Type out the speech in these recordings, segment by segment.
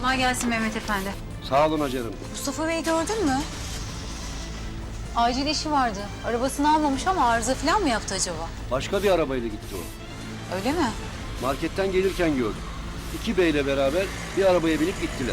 Kolay gelsin Mehmet Efendi. Sağ olun Hacer'im. Mustafa Bey gördün mü? Acil işi vardı. Arabasını almamış ama arıza falan mı yaptı acaba? Başka bir arabayla gitti o. Öyle mi? Marketten gelirken gördüm. 2 beyle beraber bir arabaya binip gittiler.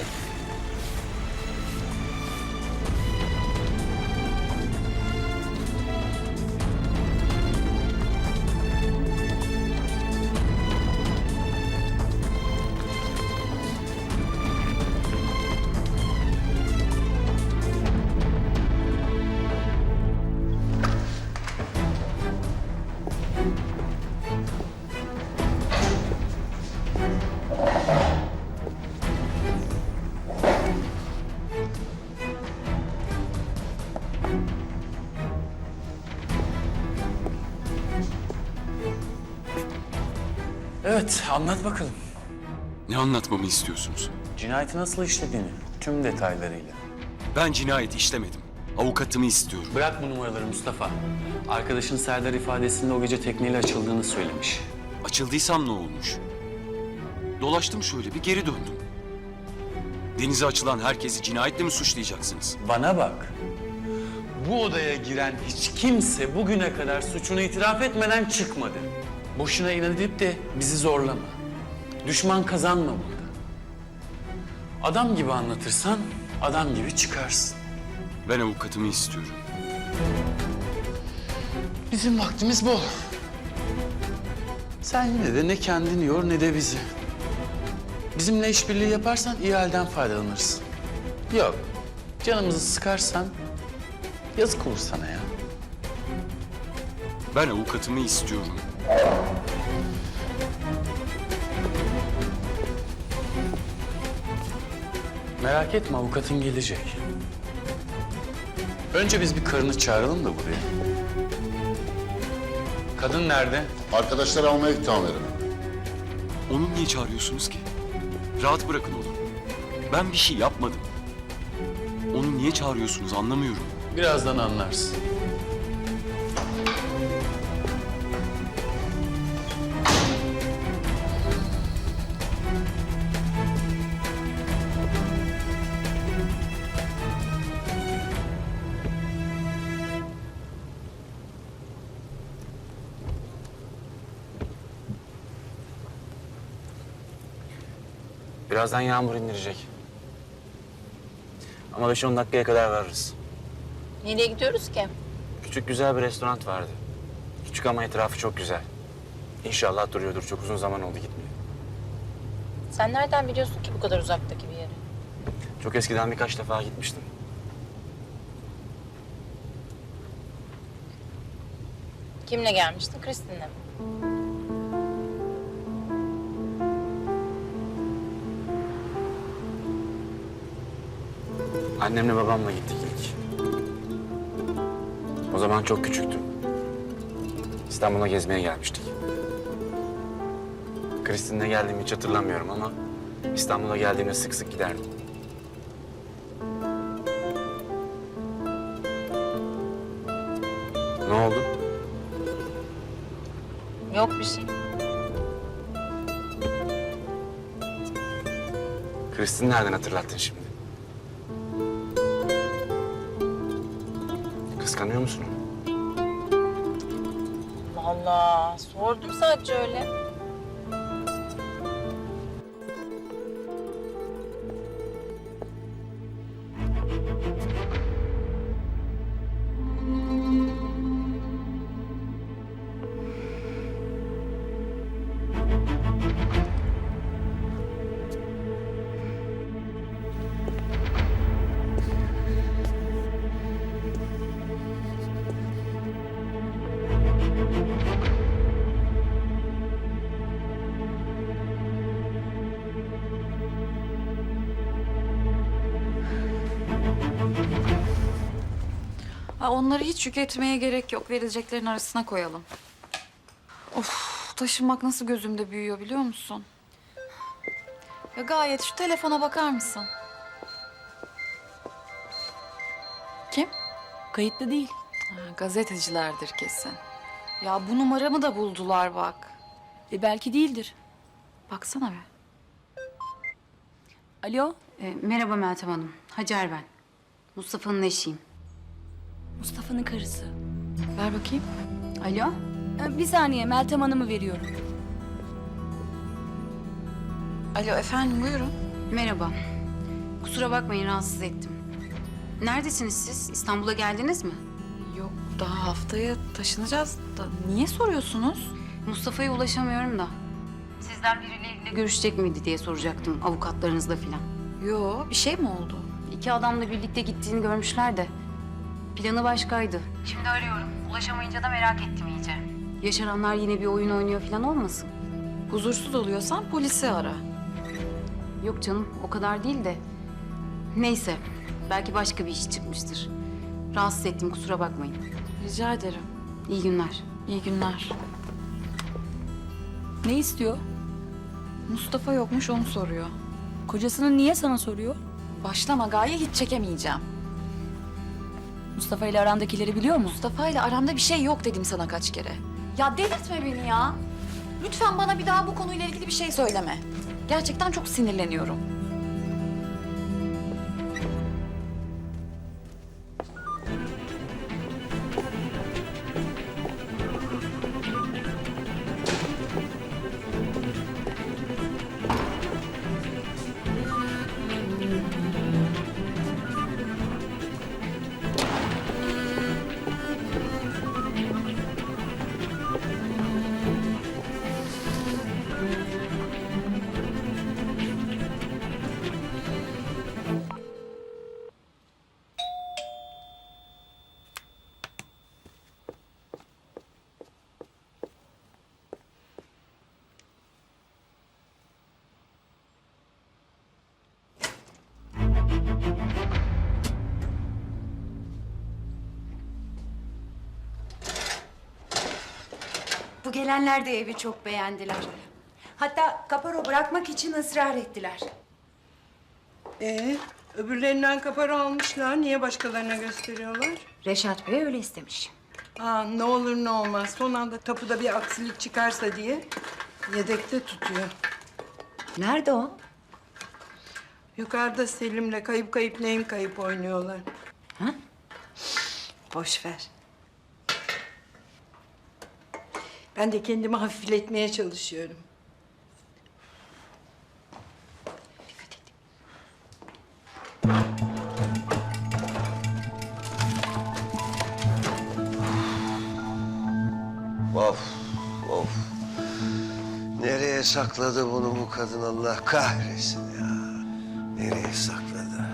Evet, anlat bakalım. Ne anlatmamı istiyorsunuz? Cinayeti nasıl işlediğini, tüm detaylarıyla. Ben cinayet işlemedim. Avukatımı istiyorum. Bırak bu numaraları Mustafa. Arkadaşın Serdar ifadesinde o gece tekneyle açıldığını söylemiş. Açıldıysam ne olmuş? Dolaştım şöyle bir geri döndüm. Denize açılan herkesi cinayetle mi suçlayacaksınız? Bana bak. Bu odaya giren hiç kimse bugüne kadar suçunu itiraf etmeden çıkmadı. Boşuna inat edip de bizi zorlama. Düşman kazanma burada. Adam gibi anlatırsan adam gibi çıkarsın. Ben avukatımı istiyorum. Bizim vaktimiz bol. Sen yine de ne kendini yor ne de bizi. Bizimle işbirliği yaparsan iyi halden faydalanırsın. Yok, canımızı sıkarsan yazık olur sana ya. Ben avukatımı istiyorum. Merak etme, avukatın gelecek. Önce biz bir karını çağıralım da buraya. Kadın nerede? Arkadaşları almaya gitti amirim. Onu niye çağırıyorsunuz ki? Rahat bırakın onu. Ben bir şey yapmadım. Onu niye çağırıyorsunuz anlamıyorum. Birazdan anlarsın. Birazdan yağmur indirecek. Ama 5-10 dakikaya kadar varırız. Nereye gidiyoruz ki? Küçük güzel bir restoran vardı. Küçük ama etrafı çok güzel. İnşallah duruyordur. Çok uzun zaman oldu gitmeye. Sen nereden biliyorsun ki bu kadar uzaktaki bir yeri? Çok eskiden birkaç defa gitmiştim. Kimle gelmiştin? Kristin'le mi? Annemle babamla gittik ilk. O zaman çok küçüktüm. İstanbul'a gezmeye gelmiştik. Kristin'le geldiğimi hiç hatırlamıyorum ama İstanbul'a geldiğimde sık sık giderdim. Ne oldu? Yok bir şey. Kristin nereden hatırlattın şimdi? Kıskanıyor musun onu? Allah, sordum sadece öyle. Onları hiç yük etmeye gerek yok. Verileceklerin arasına koyalım. Of, taşınmak nasıl gözümde büyüyor biliyor musun? Ya Gayet şu telefona bakar mısın? Kim? Kayıtlı değil. Gazetecilerdir kesin. Ya bu numaramı da buldular bak. Belki değildir. Baksana be. Alo, Merhaba Meltem Hanım. Hacer ben. Mustafa'nın eşiyim. Mustafa'nın karısı. Ver bakayım. Alo? Bir saniye, Meltem Hanım'ı veriyorum. Alo efendim buyurun. Merhaba. Kusura bakmayın rahatsız ettim. Neredesiniz siz? İstanbul'a geldiniz mi? Yok daha haftaya taşınacağız da niye soruyorsunuz? Mustafa'ya ulaşamıyorum da. Sizden birileriyle görüşecek miydi diye soracaktım avukatlarınızla filan. Yo bir şey mi oldu? 2 adamla birlikte gittiğini görmüşler de. Planı başkaydı. Şimdi arıyorum. Ulaşamayınca da merak ettim iyice. Yaşaranlar yine bir oyun oynuyor filan olmasın? Huzursuz oluyorsan polisi ara. Yok canım o kadar değil de. Neyse belki başka bir iş çıkmıştır. Rahatsız ettim kusura bakmayın. Rica ederim. İyi günler. İyi günler. Ne istiyor? Mustafa yokmuş onu soruyor. Kocasının niye sana soruyor? Başlama Gaye hiç çekemeyeceğim. Mustafa ile arandakileri biliyor mu? Mustafa ile aramda bir şey yok dedim sana kaç kere. Ya delirtme beni ya. Lütfen bana bir daha bu konuyla ilgili bir şey söyleme. Gerçekten çok sinirleniyorum. Bu gelenler de evi çok beğendiler. Hatta kaparo bırakmak için ısrar ettiler. Öbürlerinden kapara almışlar. Niye başkalarına gösteriyorlar? Reşat Bey öyle istemiş. Ne olur ne olmaz. Son anda tapuda bir aksilik çıkarsa diye yedekte tutuyor. Nerede o? Yukarıda Selim'le kayıp kayıp neyim kayıp oynuyorlar. Boş ver. Ben de kendimi hafifletmeye çalışıyorum. Dikkat et. Of, of. Nereye sakladı bunu bu kadın Allah kahretsin ya. Nereye sakladı?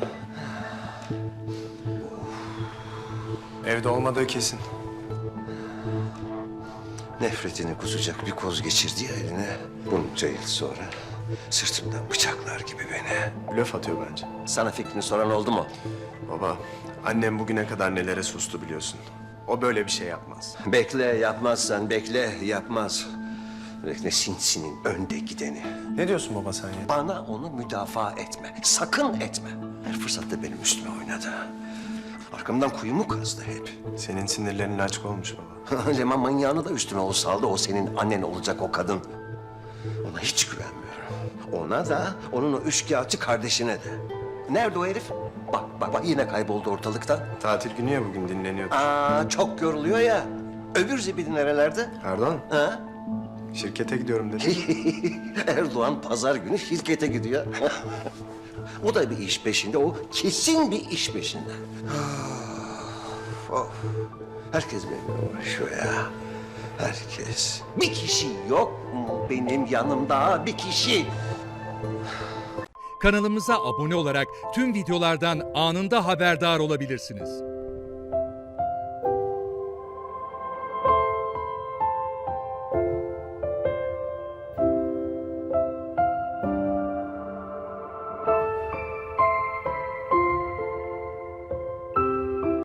Evde olmadığı kesin. Nefretini kusacak bir koz geçirdi ya eline. Bunca yıl sonra sırtımdan bıçaklar gibi beni. Blöf atıyor bence. Sana fikrini soran oldu mu? Baba, annem bugüne kadar nelere sustu biliyorsun. O böyle bir şey yapmaz. Bekle yapmazsan bekle yapmaz. Bekle sinsinin önde gideni. Ne diyorsun baba sen ya? Bana onu müdafaa etme. Sakın etme. Her fırsatta benim üstüme oynadı. Arkamdan kuyumu kazdı hep. Senin sinirlerin açık olmuş baba. Leman manyağını da üstüme o saldı. O senin annen olacak o kadın. Ona hiç güvenmiyorum. Ona da, onun o üçkağıtçı kardeşine de. Nerede o herif? Bak yine kayboldu ortalıktan. Tatil günü ya bugün dinleniyor. Çok yoruluyor ya. Öbür zibidi nerelerde? Erdoğan, Ha? şirkete gidiyorum dedi. Erdoğan pazar günü şirkete gidiyor. O da bir iş peşinde, o kesin bir iş peşinde. Of. Herkes benimle uğraşıyor ya. Herkes. Bir kişi yok mu benim yanımda? Bir kişi. Kanalımıza abone olarak tüm videolardan anında haberdar olabilirsiniz.